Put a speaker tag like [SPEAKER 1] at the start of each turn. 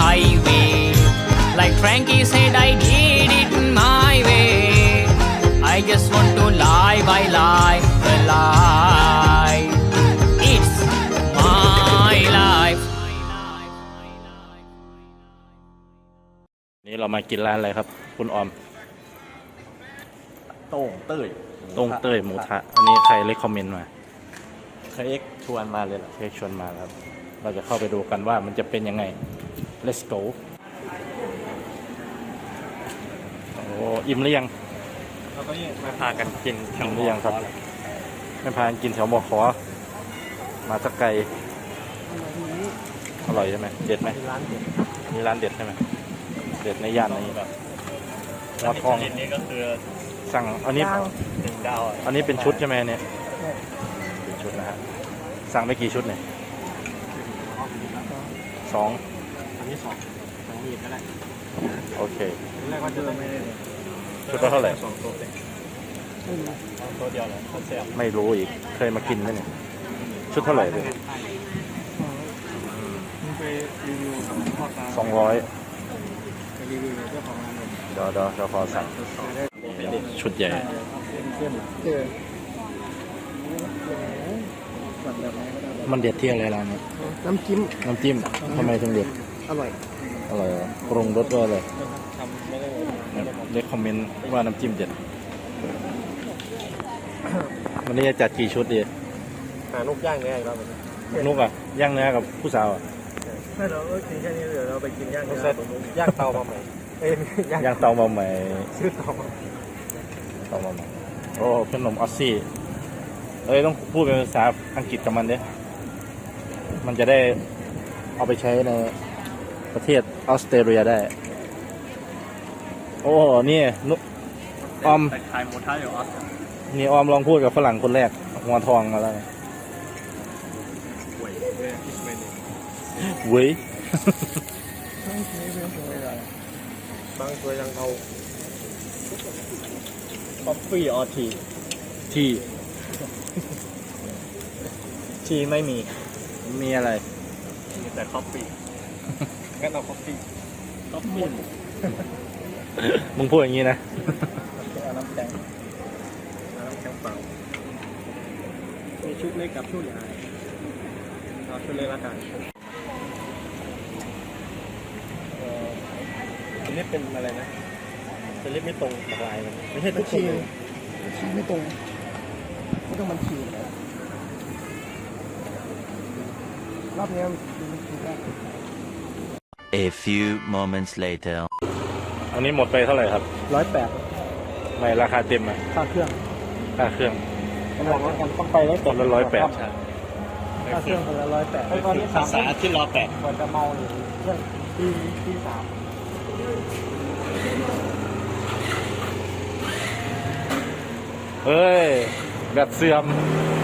[SPEAKER 1] highway. Like Frankie said, I did it my way. I just want to live a life. It's my life.
[SPEAKER 2] นี่เรามากินร้านอะไรครับคุณออม
[SPEAKER 3] โต้งเต้ย
[SPEAKER 2] ต้งเต้ยหมูทะอันนี้ใครเลคคอมเมนต์มา
[SPEAKER 3] เคยเอ็กชวนมาเลยเหรอ
[SPEAKER 2] เค้กชวนมาครับ เราจะเข้าไปดูกันว่ามันจะเป็นยังไง let's go โอ้อิ่มหรือยัง
[SPEAKER 3] เราก็ยังมาพากันกิน
[SPEAKER 2] อิ่มหรือยังครับไม่พากันกินแถวมอขอมาสักไกลอร่อยใช่ไหมเด็ดไหม
[SPEAKER 3] ร้านเด็ด
[SPEAKER 2] นี่ร้านเด็ดใช่ไหมเด็ดในย่านนี้แบบมอทอง
[SPEAKER 3] นี่ก็คือ
[SPEAKER 2] สั่งอันนี้
[SPEAKER 3] 1 ดาว
[SPEAKER 2] อันนี้เป็นชุดใช่ไหมเนี่ยเป็นชุดนะฮะสั่งไปกี่ชุดเนี่ย2
[SPEAKER 3] อันนี้2มีดก็ได้
[SPEAKER 2] โอเค
[SPEAKER 3] แรกว่าจะไม่ได้
[SPEAKER 2] ชุดละเท่าไหร่
[SPEAKER 3] 2 ตัวเองตัวเดียวเหรอเขาแซ่บ
[SPEAKER 2] ไม่รู้อีกเคยมากินไหมเนี่ยชุดเท่าไหร่เลย
[SPEAKER 3] มึงไปรีวิวกับพ่อตา
[SPEAKER 2] 200
[SPEAKER 3] ไปรีวิวเจ้าของร้านเลย
[SPEAKER 2] เดี๋ยวขอสั่งชุดใหญ่
[SPEAKER 3] เข้มเจอแบบไหนก็ได้
[SPEAKER 2] มันเด็ดที่อะไรร้านนี้
[SPEAKER 3] น้ำจิ้ม
[SPEAKER 2] น้ำจิ้มทำไมถึงเด็ด
[SPEAKER 3] อร่อย
[SPEAKER 2] อร่อยเหรอปรุงรสด้วยเลย
[SPEAKER 3] ทำไม่ได้เลย
[SPEAKER 2] เล็กคอมเมนต์ว่าน้ำจิ้มเด็ดวันนี้จะจัดกี่ชุดดี
[SPEAKER 3] หาลูกย่างเนื้ออีกรอบนึง
[SPEAKER 2] นุกอ่ะย่างเนื้อกับผู้สาวอ่ะ
[SPEAKER 3] ไม่เรากินแค่นี้เดี๋ยวเราไปกินย่างเนื้อย่างเตามาใหม่เอ้ย
[SPEAKER 2] ย่างเตามาใหม่
[SPEAKER 3] ซื้อเตามา
[SPEAKER 2] เตามาใหม่โอ้ขนมออสซี่เอ้ยต้องพูดเป็นภาษาอังกฤษกับมันเด้มันจะได้เอาไปใช้ในประเทศออสเตรเลียได้โอ้นี่นุออม
[SPEAKER 3] แต่ขายหมูท้าอยู่ออส
[SPEAKER 2] นี่ออมลองพูดกับฝรั่งคนแรกหัวทองมาแล้ว
[SPEAKER 3] ป่วยเลยคิดไม่ดี
[SPEAKER 2] เว้ย
[SPEAKER 3] บางตัวยังเอาคอฟฟี่ออที
[SPEAKER 2] ที่
[SPEAKER 3] ทีไม่มี
[SPEAKER 2] มีอะไร
[SPEAKER 3] มีแต่คอฟฟี่งั้นเอาคอฟฟี่คอฟฟี่
[SPEAKER 2] มึงพูดอย่างนี้นะ
[SPEAKER 3] เอาน้ำแข็งเปล่ามีชุดเล็กกับชุดใหญ่เอาชุดเล็กละกันอันนี้เป็นอะไรนะสลิปไม่ตรงกับลายมันไม่ใช่ทุกคนเลย
[SPEAKER 4] ชี้ไม่ตรงไม่ต้องมันชี้รอบนี้มันชี้ได้
[SPEAKER 5] A few moments later.
[SPEAKER 2] อันนี้หมดไปเท่าไหร่ครับ
[SPEAKER 4] 108
[SPEAKER 2] ไม่ราคาเต็มอ่ะ
[SPEAKER 4] ค่าเครื่อง
[SPEAKER 2] ค่าเครื่อง
[SPEAKER 4] มันบอกว่ามันต้องไปได้
[SPEAKER 2] ต้นละ108
[SPEAKER 4] ค่าเครื่องคนละ108ไอ้ตอนนี้
[SPEAKER 3] ภาษาที่รอแปด
[SPEAKER 4] ก่อนจะเมาหรือเครื่องที่3
[SPEAKER 2] เฮ้ย แบบเสื่อม